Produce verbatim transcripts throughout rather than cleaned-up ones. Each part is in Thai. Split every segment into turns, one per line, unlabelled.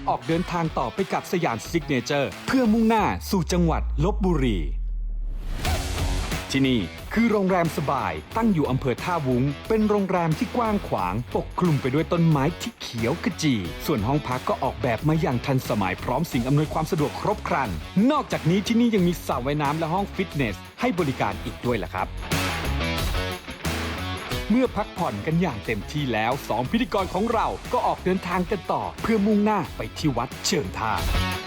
ออกเดินทางต่อไปกับสยามซิกเนเจอร์เพื่อมุ่งหน้าสู่จังหวัดลพบุรีที่นี่คือโรงแรมสบายตั้งอยู่อำเภอท่าวุ้งเป็นโรงแรมที่กว้างขวางปกคลุมไปด้วยต้นไม้ที่เขียวขจีส่วนห้องพักก็ออกแบบมาอย่างทันสมัยพร้อมสิ่งอำนวยความสะดวกครบครันนอกจากนี้ที่นี่ยังมีสระว่ายน้ำและห้องฟิตเนสให้บริการอีกด้วยล่ะครับเมื่อพักผ่อนกันอย่างเต็มที่แล้วสองพิธีกรของเราก็ออกเดินทางกันต่อเพื่อมุ่งหน้าไปที่วัดเชิงท่า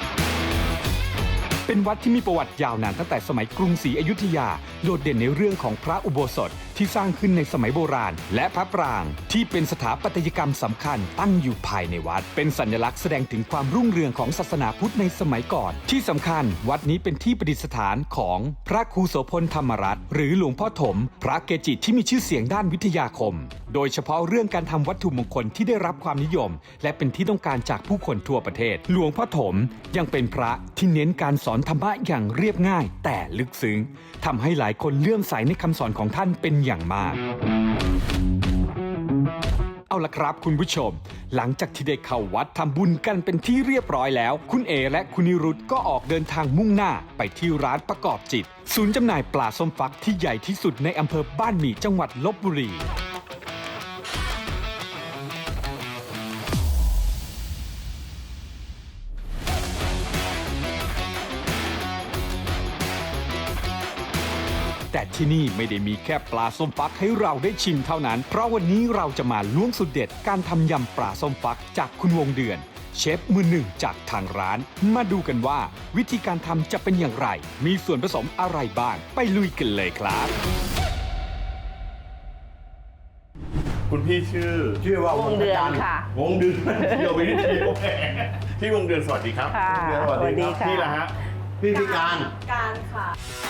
เป็นวัดที่มีประวัติยาวนานตั้งแต่สมัยกรุงศรีอยุธยาโดดเด่นในเรื่องของพระอุโบสถที่สร้างขึ้นในสมัยโบราณและพระปรางที่เป็นสถาปัตยกรรมสำคัญตั้งอยู่ภายในวัดเป็นสัญลักษณ์แสดงถึงความรุ่งเรืองของศาสนาพุทธในสมัยก่อนที่สำคัญวัดนี้เป็นที่ประดิษฐานของพระครูโสพลธรรมรัตน์หรือหลวงพ่อถมพระเกจิที่มีชื่อเสียงด้านวิทยาคมโดยเฉพาะเรื่องการทำวัตถุมงคลที่ได้รับความนิยมและเป็นที่ต้องการจากผู้คนทั่วประเทศหลวงพ่อถมยังเป็นพระที่เน้นการสอนธรรมะอย่างเรียบง่ายแต่ลึกซึ้งทำให้หลายคนเลื่อมใสในคำสอนของท่านเป็นอย่างมากเอาล่ะครับคุณผู้ชมหลังจากที่ได้เข้าวัดทำบุญกันเป็นที่เรียบร้อยแล้วคุณเอและคุณนิรุตก็ออกเดินทางมุ่งหน้าไปที่ร้านประกอบจิตศูนย์จำหน่ายปลาส้มฟักที่ใหญ่ที่สุดในอำเภอบ้านหมี่จังหวัดลพบุรีแต่ที่นี่ไม่ได้มีแค่ปลาส้มฟักให้เราได้ชิมเท่านั้นเพราะวันนี้เราจะมาล้วงสูตรเด็ดการทำยำปลาส้มฟักจากคุณวงเดือนเชฟมือหนึ่งจากทางร้านมาดูกันว่าวิธีการทำจะเป็นอย่างไรมีส่วนผสมอะไรบ้างไปลุยกันเลยครับ
คุณพี่ชื่อ
ชื่อว่าว
งเดือนค่ะ
วงเดือนเดียวไปนิดเดียวพี่วงเดือนสวัสดีครับ
ค่ะ
สวัสดีครับ
พี่ละฮะ
พี่พิการ
การค่ะ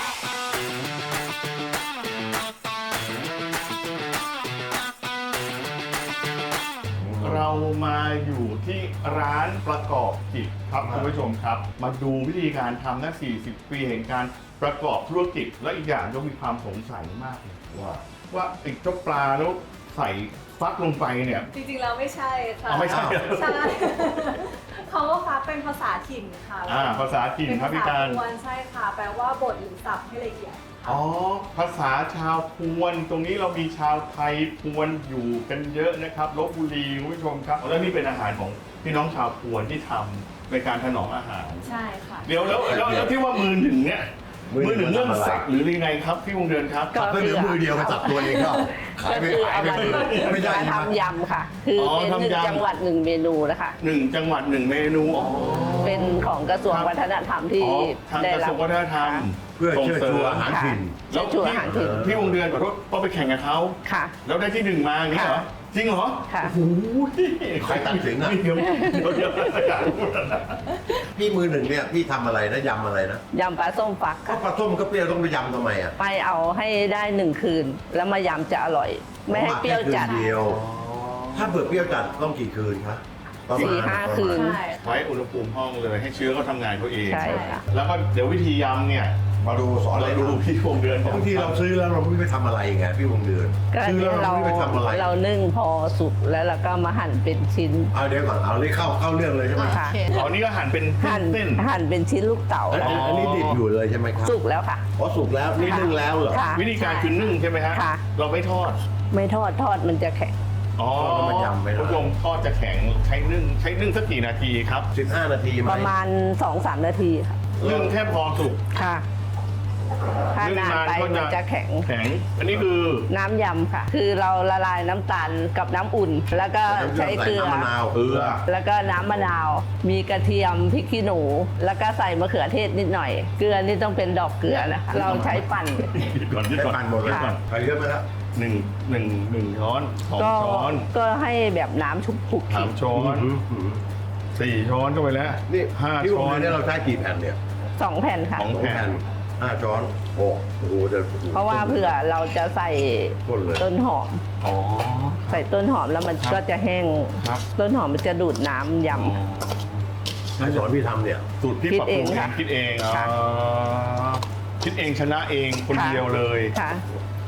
เรามาอยู่ที่ร้านประกอบกิจครับคุณผู้ชมครับมาดูวิธีการทำนะสี่สิบปีแห่งการประกอบธุรกิจและอีกอย่างก็มีความสงสัยมากเลยว่าว่าไอ้เจ้าปลาแล้วใส่ฟักลงไปเนี่ย
จริงๆแล้วไม่ใช่ค่ะ
อ๋อไม่ใช่
ใช่ เขาก็ฟักเป็นภาษาถิ่นค่ะ
อ่าภาษาถิ่นครับพี่การ
เป็นภาษาพวนใช่ค่ะแปลว่าบดหรือสับให้ละเอียด
อ๋อภาษาชาวพวนตรงนี้เรามีชาวไทยพวนอยู่กันเยอะนะครับลพบุรีคุณผู้ชมครับแล้วนี่เป็นอาหารของพี่น้องชาวพวนที่ทำในการถนอมอาหาร
ใช่ค่ะ
เดี๋ยวแล้วแล้วแล้วที่ว่ามือหนึ่งเนี่ยมือหนึ่งเรื่องสับหรือยังไงครับพี่วงเดือนครับ
ก็เหลือมือเดียวกับจับตัวเองก็ขายไปขายไปไม่ได้
มาทำยำค่ะคือเป็นหนึ่งจังหวัดหนึ่งเมนูนะคะ
หนึ่งจังหวัดหนึ่งเมนู
เป็นของกระทรวงวัฒนธรรมที่
ทางกระทรวงวัฒนธรรม
เพื่อเชิดชูอาหารถิ่น
แล้วพี่วงเดือนขอโทษก็ไปแข่งกับเขา
ค่ะ
แล้วได้ที่หนึ่งมาอย่างนี้เหรอจริงเหรอ
ค่ะ
โอ้โห
ใครตัดสินอ่ะ
เดี๋ยวเดี๋ยวเดี๋ยวอยากพูดนะ
พี่มือหนึ่งเนี่ยพี่ทำอะไรนะยำอะไรนะ
ยำปลาส้มฟัก
ก็ปลาส้มก็เปรี้ยวต้องไปยำทำไมอ่ะ
ไปเอาให้ได้หนึ่งคืนแล้วมายำจะอร่อยไม่ให้เปรี้ยวจัด
เดียวถ้าเบื่อเปรี้ยวจัดต้องกี่คืนคะ
สี่ห้าคืน
ไว้อุณหภูมิห้องเลยให้เชื้อเขาทำงานเขาเอง
ใช่ค่ะ
แล้วก็เดี๋ยววิธียำเนี่ย
มาดูสอน
เราดูพี่วงเดือน
บางทีเราซื้อแล้วเราไม่ไปทำอะไรไงพี่วงเดือน
ซื้อแล้วเราไม่ไปทำอะไรเรานึ่งพอสุกแล้วเราก็มาหั่นเป็นชิ้น
เอาเดี๋ยวก่อนเอาเลยเข้าเข้าเรื่องเลยใช่ไหม
ค่ะ
อ๋อนี่ก็หั่นเป็นเส้น
หั่นเป็นชิ้นลูกเต๋า
อันนี้ดิบอยู่เลยใช่ไหมครับ
สุกแล้วค่ะ
อ๋อสุกแล้วนี่นึ่งแล้วเหรอ
วิธีการคือนึ่งใช่ไหมฮะเราไม่ทอด
ไม่ทอดทอดมันจะแข็ง
อ๋อมันยำไม่ได้ผู้ชมทอดจะแข็งใช้นึ่งใช้นึ่งสักกี่นาทีครับ
สิบห้านาที
ประมาณ สองถึงสาม นาทีค่ะ
นึ่งแค่พอสุก
ค่ะถ้านานไปมันจะแข็ง
แข็งอันนี้คือ
น้ำยำค่ะคือเราละลายน้ำตาลกับน้ำอุ่นแล้วก็ใช้เกลือ
เกลือ
แล้วก็น้ำมะนาวมีกระเทียมพริกขี้หนูแล้วก็ใส่มะเขือเทศนิดหน่อยเกลือนี่ต้องเป็นดอกเกลือนะคะเราใช้ปั่น
ก่อนที่
ปั่นหมดเลยก่อนใส่เยอะไหมครับ
หนึ่งหนึ่งหนึ่งช้อนสองช้อน
ก็ให้แบบน้ำชุบคุก
สามช้อนสี่ช้อนเข้าไปแล้ว
นี่
ห้าช้อน
นี่เราใช้กี่แผ่นเนี่ย
สองแผ่นค่ะ
สองแผ่น
ห้าช้อนโอ้โหจะ
เพราะว่าเผื่อเราจะใส่ต้นหอมใส่ต้นหอมแล้วมันก็จะแห้งต้นหอมมันจะดูดน้ำยำ
ให้สอนพี่ทำเนี่ย
สูตรพี่ปรับปรุงเองคิดเองคิดเองชนะเองคนเดียวเลย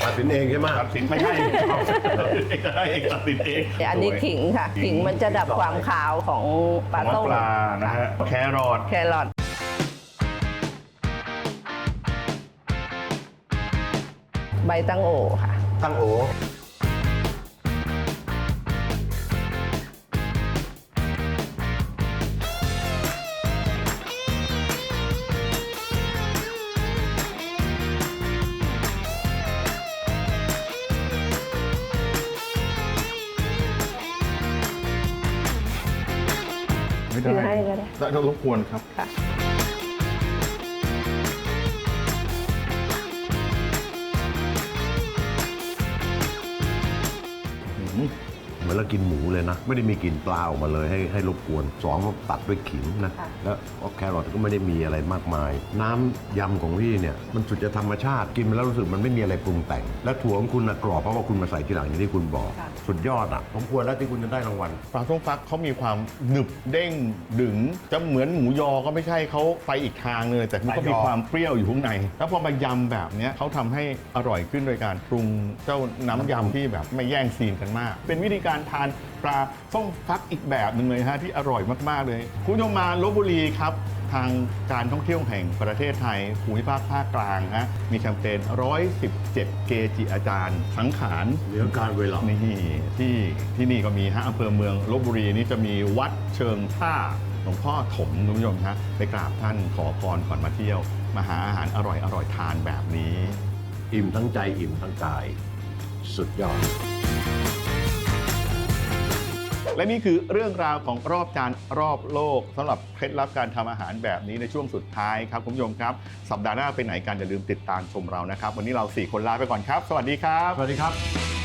ตัดสินเองใช่ไหม
ตัดสินไม่ใช่ตัดสินเองก็ได้เองตัดสินเอง
อันนี้ขิงค่ะขิงมันจะดับความคาวของปลา
ของ
ต้ม
ปลานะฮะแครอท
แครอทใบตั้งโอค่ะ
ตั้งโอ
ไม่ได้
ถือให้ก็ได้
ได้รบกวนครับ
ค่ะ
เหมือนเรากินหมูเลยนะ ไม่ได้มีกลิ่นปลาออกมาเลยให้ให้รบกวนสองก็ตัดด้วยขิงนะ
ค่ะ
แล้วแครอทก็ไม่ได้มีอะไรมากมาย น้ำยำของพี่เนี่ยมันสุดจะธรรมชาติกินไปแล้วรู้สึกมันไม่มีอะไรปรุงแต่ง และถั่วของคุณนะกรอบเพราะว่าคุณมาใส่ทีหลังอย่างที่คุณบอก สุดยอดอ่ะผมควรแล้วที่คุณจะได้รางวัล
ปลาส้มฟักเขามีความหนึบเด้งดึงจะเหมือนหมูยอก็ไม่ใช่เขาไปอีกทางเลย แต่มันก็มีความเปรี้ยวอยู่ข้างใน แล้วพอมายำแบบเนี้ยเขาทำให้อร่อยขึ้นโดยการปรุงเจ้าน้ำยำที่แบบไม่แย่งซีนกันมาก เป็นวิธีการทานปลาส้มฟักอีกแบบหนึ่งเลยฮะที่อร่อยมากๆเลยคุณผู้ชมมาลพบุรีครับ ทางการท่องเที่ยวแห่งประเทศไทยภูมิภาคภาคกลางฮะมีแคมเปญหนึ่งร้อยสิบเจ็ดเกจิอาจารย์สังขาร
เหนือการเวลา
นี่ที่ที่นี่ก็มีฮะอำเภอเมืองลพบุรีนี่จะมีวัดเชิงท่าหลวงพ่อถมคุณผู้ชมฮะไปกราบท่านขอพรก่อนมาเที่ยว มาหาอาหารอร่อยอร่อยทานแบบนี้
อิ่มทั้งใจอิ่มทั้งกาย สุดยอด
และนี่คือเรื่องราวของรอบจานรอบโลกสำหรับเคล็ดลับการทำอาหารแบบนี้ในช่วงสุดท้ายครับคุณผู้ชมครับสัปดาห์หน้าไปไหนกันอย่าลืมติดตามชมเรานะครับ วันนี้เราสี่คนลาไปก่อนครับ สวัสดีครับ
สวัสดีครับ